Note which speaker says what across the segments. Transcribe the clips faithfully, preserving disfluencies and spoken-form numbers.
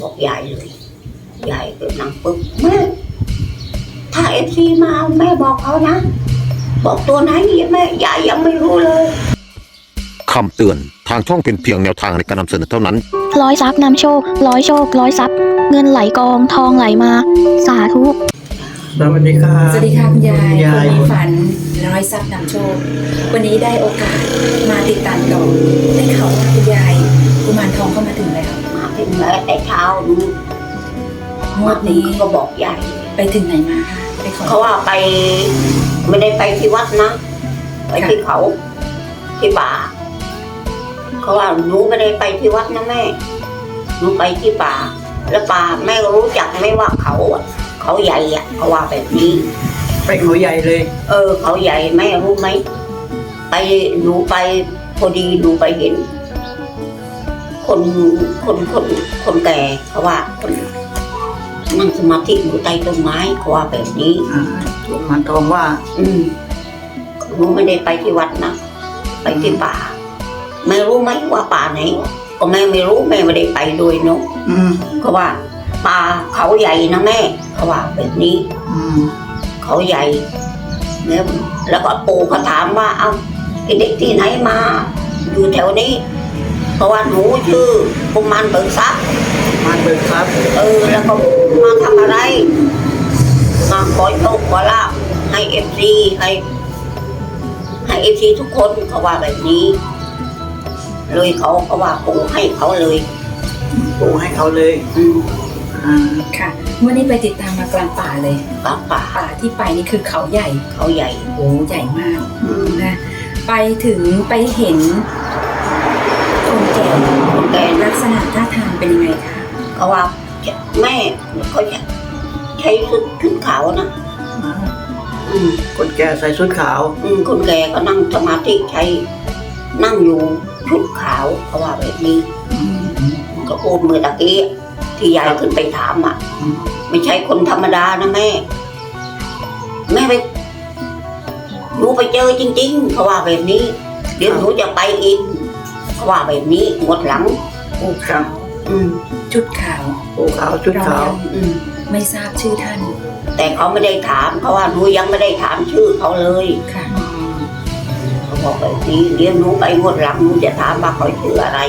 Speaker 1: บอกยายเลยยายก็นั่งปึ๊บแม่ถ้าเอฟซีมาแม่บอกเขานะบอกตัวไหนแม่ยายยังไม่รู้เลย
Speaker 2: คำเตือนทางช่องเป็นเพียงแนวทางในการนำเสนอเท่านั้น
Speaker 3: ร้อยทรัพย์นำโชคร้อยโชคร้อยทรัพย์เงินไหลกองทองไหลมาสาธุ
Speaker 4: สวัสดีครับ
Speaker 5: สวัสดีค่ะคุณยาย
Speaker 4: ยาย
Speaker 5: คนมีฝันร้อยทรัพย์นำโชควันนี้ได้โอกาสมาติดตามต่อได้ข่าวว่าคุณยายกุมารทองเข้ามาถึงแล้ว
Speaker 1: มาถึงแล้วแต่เช้าดู
Speaker 5: งวดนี้
Speaker 1: ก็บอกยาย
Speaker 5: ไปถึงไหนมาคะไปขอ
Speaker 1: เขาว่าไปไม่ได้ไปที่วัดนะไปที่เขาที่ป่าเขาว่าหนูไม่ได้ไปที่วัดนะแม่หนูไปที่ป่าแล้วป่าแม่รู้จักไหมว่าเขาเขาใหญ่อะเขาว่าแบบนี้
Speaker 4: ไปเขาใหญ่เลย
Speaker 1: เออเขาใหญ่แม่รู้ไหมไปหนูไปพอดีหนูไปเห็นคนคนคนคนแก่เขาว่าคนนั่งสมาธิอยู่ใต้ต้นไม้เขาว่าแบบนี้
Speaker 4: กุมารทองว่า
Speaker 1: อืมหนูไม่ได้ไปที่วัดนะไปที่ป่าแม่รู้ไหมว่าป่าไหนก็แม่ไม่รู้แม่ไม่ได้ไปด้วยเนาะเขาว่าป่าเขาใหญ่นะแม่เขาว่าแบบนี้เขาใหญ่เนี่ยแล้วก็ปู่เขาถามว่าเอ้าไอเด็กที่ไหนมาอยู่แถวนี้เพราะว่าหนูชื่อกุมารเบิกทรัพย์
Speaker 4: กุมารเบิกทรัพย์
Speaker 1: เออแล้วก็มาทำอะไรมาขอโชคขอลาภให้เอฟซีให้ให้เอฟซีทุกคนเขาว่าแบบนี้เลยเขาเขาว่าปู่ให้เขาเลย
Speaker 4: ปู่ให้เขาเลย
Speaker 1: อืม
Speaker 5: อ่าค่ะวันนี้ไปติดตามมากลางป่าเลย
Speaker 1: กลางป่า
Speaker 5: ป่าที่ไปนี่คือเขาใหญ่
Speaker 1: เขาใหญ่
Speaker 5: โอ้ใหญ่มากนะไปถึงไปเห็นคนแก่
Speaker 1: คนแก่
Speaker 5: ลักษณะท่าทางเป็นยังไงคะ
Speaker 1: เขาว่าแม่เขาใช้ชุดชุดขาวนะ
Speaker 4: อืมคนแก่ใส่ชุดขาว
Speaker 1: อืมคนแก่ก็นั่งสมาธิใช้นั่งอยู่ชุดขาวเขาว่าแบบนี้ก็พูดเมื่อตะกี้ที่ยายขึ้นไปถามอ่ะไม่ใช่คนธรรมดานะแม่แม่ไปหนูไปเจอจริงๆเขาว่าแบบนี้เดี๋ยวหนูจะไปอีกเขาว่าแบบนี้หมดหลัง
Speaker 5: โอ้ครับอืมชุดขาว
Speaker 4: โอ้ขาวชุดขาว
Speaker 5: อืมไม่ทราบชื่อท่าน
Speaker 1: แต่เขาไม่ได้ถามเขาว่าหนูยังไม่ได้ถามชื่อเขาเลย
Speaker 5: ค่ะ
Speaker 1: เขาบอกแบบนี้เดี๋ยวหนูไปหมดหลังหนูจะถามว่าเขาชื่ออะไร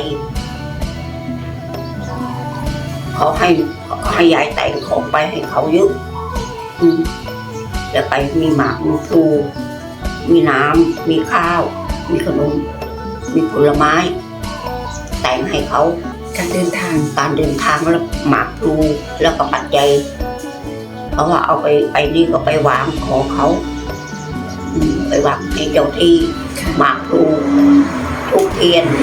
Speaker 1: เขาให้เขาให้ยายแต่งของไปให้เขาเยอะอืมแล้วไปมีหมากมีพลูมีน้ำมีข้าวมีขนมมีผลไม้แต่งให้เขา
Speaker 5: การเดินทาง
Speaker 1: การเดินทางแล้วหมากพลูแล้วก็ปัจจัยเพราะว่าเอาไปไปนี่ก็ไปวางขอเขาไปวางให้เจ้าที่หมากพลูทุกเทียน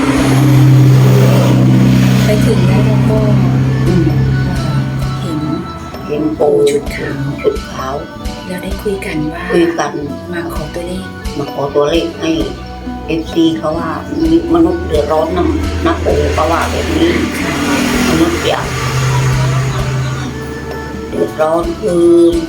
Speaker 5: ไปถึงแล้วก็เห็น
Speaker 1: เห็นปู่
Speaker 5: ชุดขาว
Speaker 1: ชุดขาว
Speaker 5: แล้วได้คุยกันว่า
Speaker 1: คุยกัน
Speaker 5: มาขอตัวเลข
Speaker 1: มาขอตัวเลขให้เอฟซีเขาว่ามีมนุษย์เดือดร้อนนะนะปู่เขาว่าแบบนี้มนุษย์อยากเดือดร้อนคือ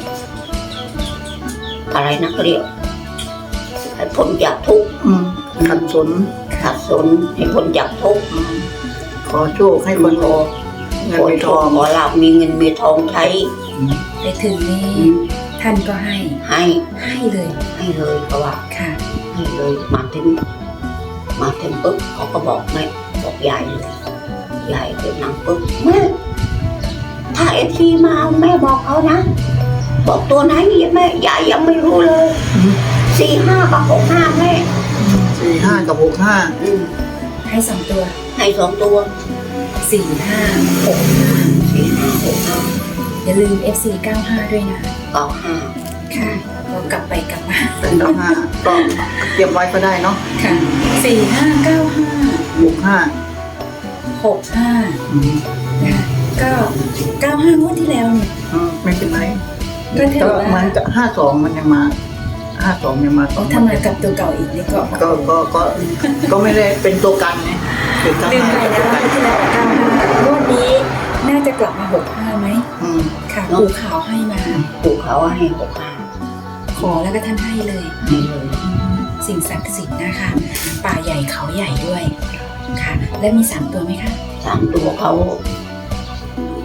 Speaker 1: อะไรนะเขาเรียกให้พ้นจากทุกข์
Speaker 4: ขัดสน
Speaker 1: ขัดสนให้พ้นจากทุกข์
Speaker 4: ขอโชคให้คนโอ
Speaker 1: เงินมีทองขอลาบมีเงินมีทองใช้
Speaker 5: ไปถึงนี่ท่านก็ให้
Speaker 1: ให้
Speaker 5: ให้เลย
Speaker 1: ให้เลยเพราะว่า
Speaker 5: ค่ะ
Speaker 1: ให้เลยมาถึงมาถึงปุ๊บเขาก็บอกแม่บอกยายเลยยายเดินนั่งปุ๊บแม่ถ้าเอฟซีมาแม่บอกเขานะบอกตัวไหนแม่ยายยังไม่รู้เลยสี่ห้ากับหกห้าแม่
Speaker 4: สี่ห้ากับหกห้า
Speaker 5: ให้สองตัว
Speaker 1: ให้สองตัว
Speaker 5: สี่ห้าหกห้า
Speaker 1: สี่ห้าหกห้า
Speaker 5: อย่าลืม เอฟ ซี เก้าห้าด้วยนะ
Speaker 1: เก้าห้า
Speaker 5: ค่ะเรากลับไปกลับมา
Speaker 4: เป็นเก้าห้าก็เก็บไว้ก็ได้เนาะ
Speaker 5: ค่ะสี่ห้าเก้าห้า
Speaker 4: หกห้า
Speaker 5: หกห้านะคะก็เก้าห้างวดที่แล้วเนี่ย
Speaker 4: ไม่เป็นไร
Speaker 5: ก็ถือว่า
Speaker 4: มันจะห้าสองมันยังมาห้าสองยังมา
Speaker 5: โอ้ทำมากับตัวเก่าอีกนี่ก็
Speaker 4: ก็ก็ก็ก็ไม่ได้เป็นตัวกันไง
Speaker 5: ลืมไปแล้วว่าที่แล้วเก้าห้างวดนี้น่าจะกลับมาหกห้าไหมค่ะปู่ขาวให้มา
Speaker 1: ปู่ขาวให้หกห้า
Speaker 5: ขอแล้วก็ท่านให้เลย
Speaker 1: ให้เลย
Speaker 5: สิ่งศักดิ์สิทธิ์นะคะป่าใหญ่เขาใหญ่ด้วยค่ะและมีสามตัวไหมคะ
Speaker 1: สามตัวเขา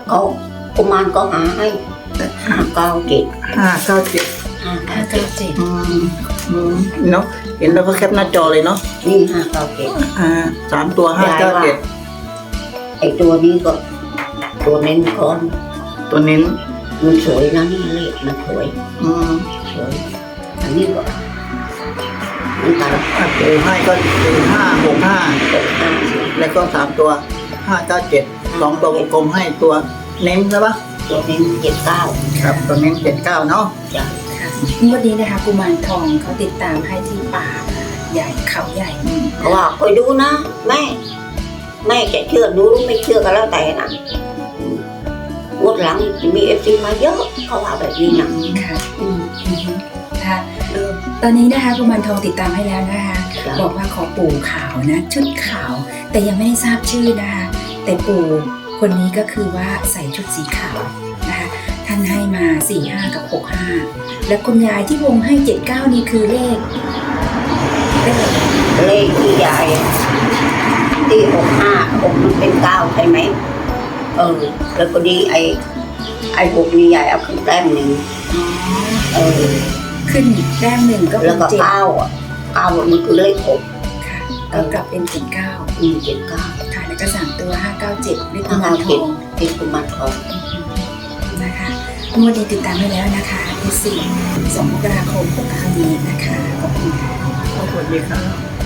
Speaker 1: เขากุมารก็หาให้ห้าเก้าเจ็ด
Speaker 4: ห้าเก้าเจ็ด
Speaker 1: ห้า
Speaker 5: ห้า
Speaker 1: เก้าเจ็ด
Speaker 5: เก้าเจ็ด
Speaker 4: อืมอืมเนาะเห็นแล้วก็แคปหน้าจอเลยเนาะ
Speaker 1: นี่ห้าเก้าเจ็ด
Speaker 4: อ่าสามตัวห้าเก้าเจ็ด
Speaker 1: ไอตัวนี้ก็ตัวเน้นก่อน
Speaker 4: ตัวเน้น
Speaker 1: มันสวยนะนี่เลขมันสวย
Speaker 4: อืม
Speaker 1: สวยอันนี้ก็เหมือนกัน
Speaker 4: ถ้าปูให้ก็เป็นห้าหกห้า
Speaker 1: หกห้า
Speaker 4: แล้วก็สามตัวห้าเก้าเจ็ดสองตัววงกลมให้ตัวเน้นใช่ปะ
Speaker 1: ตัวเน้นเจ็ดเก้า
Speaker 4: ครับตัวเน้นเจ็ดเก้าเนาะ
Speaker 1: จ้ะ
Speaker 5: ค่ะงวดนี้นะคะกุมารทองเขาติดตามให้ที่ป่าใหญ่เขาใหญ่
Speaker 1: เพราะว่าคอยดูนะแม่แม่จะเชื่อดูหรือไม่เชื่อก็แล้วแต่นะอืมงวดหลังมีเอฟซีมาเยอะเขาว่าแบบนี้นะ
Speaker 5: ค่ะ
Speaker 1: อืม
Speaker 5: อือฮึค่ะ
Speaker 1: เออ
Speaker 5: ตอนนี้นะคะกุมารทองติดตามให้แล้วนะคะ
Speaker 1: จ้ะ
Speaker 5: บอกว่าขอปู่ขาวนะ ชุดขาว แต่ยังไม่ได้ทราบชื่อนะคะ แต่ปู่คนนี้ก็คือว่าใส่ชุดสีขาวนะคะ ท่านให้มาสี่ห้ากับหกห้าแล้วคุณยายที่วงให้เจ็ดเก้านี่คือเลขเลขอะไร
Speaker 1: เลขที่ยายที่หกห้าหกมันเป็นเก้าใช่ไหมเออแล้วก็ดีไอไอหกนี่ยายเอาขึ้นแต้มหนึ่ง
Speaker 5: อ๋อ
Speaker 1: เออ
Speaker 5: ขึ้นแต้มหนึ่งก็เป็
Speaker 1: แล้ว
Speaker 5: น
Speaker 1: ก็
Speaker 5: เจ็ด
Speaker 1: เก้าอ่ะเก้ามันคือเลขหก
Speaker 5: ค่ะก็กลับเป็นเจ็ดเก้า
Speaker 1: อืมเจ็ดเก้า
Speaker 5: ค่ะแล้วก็สามตัวห้าเก้าเจ็ดเลขกุ
Speaker 1: ห้าม
Speaker 5: ารท
Speaker 1: เจ็ด
Speaker 5: อง
Speaker 1: เป็นกุมารทอง
Speaker 5: นะคะงวดนี้ติดตามให้แล้วนะคะที่สี่สองมกราคมหกห้านี้นะคะขอบคุณค่ะ
Speaker 4: สวัสดีครับ